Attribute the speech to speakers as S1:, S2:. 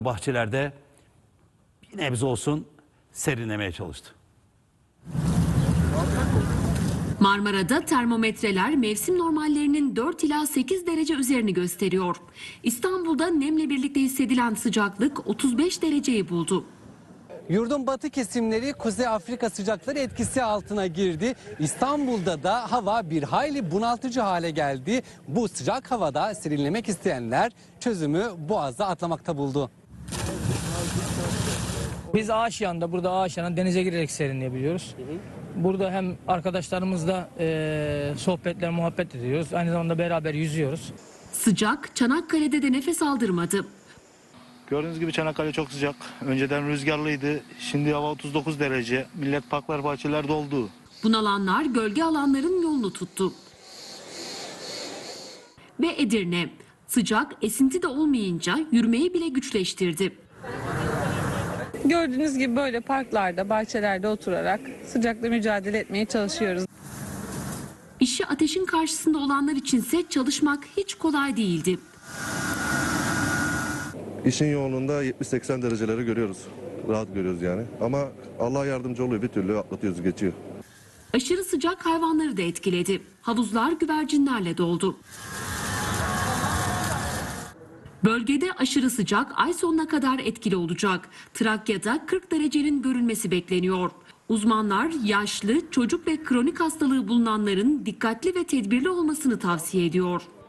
S1: Bahçelerde bir nebze olsun serinlemeye çalıştı.
S2: Marmara'da termometreler mevsim normallerinin 4 ila 8 derece üzerini gösteriyor. İstanbul'da nemle birlikte hissedilen sıcaklık 35 dereceyi buldu.
S3: Yurdun batı kesimleri Kuzey Afrika sıcakları etkisi altına girdi. İstanbul'da da hava bir hayli bunaltıcı hale geldi. Bu sıcak havada serinlemek isteyenler çözümü Boğaz'da atlamakta buldu.
S4: Biz Ağaçyan'da, burada Ağaçyan'da denize girerek serinleyebiliyoruz. Burada hem arkadaşlarımızla sohbetler, muhabbet ediyoruz. Aynı zamanda beraber yüzüyoruz.
S2: Sıcak Çanakkale'de de nefes aldırmadı.
S5: Gördüğünüz gibi Çanakkale çok sıcak. Önceden rüzgarlıydı. Şimdi hava 39 derece. Millet parklar, bahçeler doldu.
S2: Bunalanlar gölge alanların yolunu tuttu. Ve Edirne. Sıcak esinti de olmayınca yürümeyi bile güçleştirdi.
S6: Gördüğünüz gibi böyle parklarda, bahçelerde oturarak sıcakla mücadele etmeye çalışıyoruz.
S2: İşi ateşin karşısında olanlar içinse çalışmak hiç kolay değildi.
S7: İşin yoğunluğunda 70-80 dereceleri görüyoruz. Rahat görüyoruz yani. Ama Allah yardımcı oluyor, bir türlü atlatıyoruz, geçiyor.
S2: Aşırı sıcak hayvanları da etkiledi. Havuzlar güvercinlerle doldu. Bölgede aşırı sıcak ay sonuna kadar etkili olacak. Trakya'da 40 derecenin görülmesi bekleniyor. Uzmanlar yaşlı, çocuk ve kronik hastalığı bulunanların dikkatli ve tedbirli olmasını tavsiye ediyor.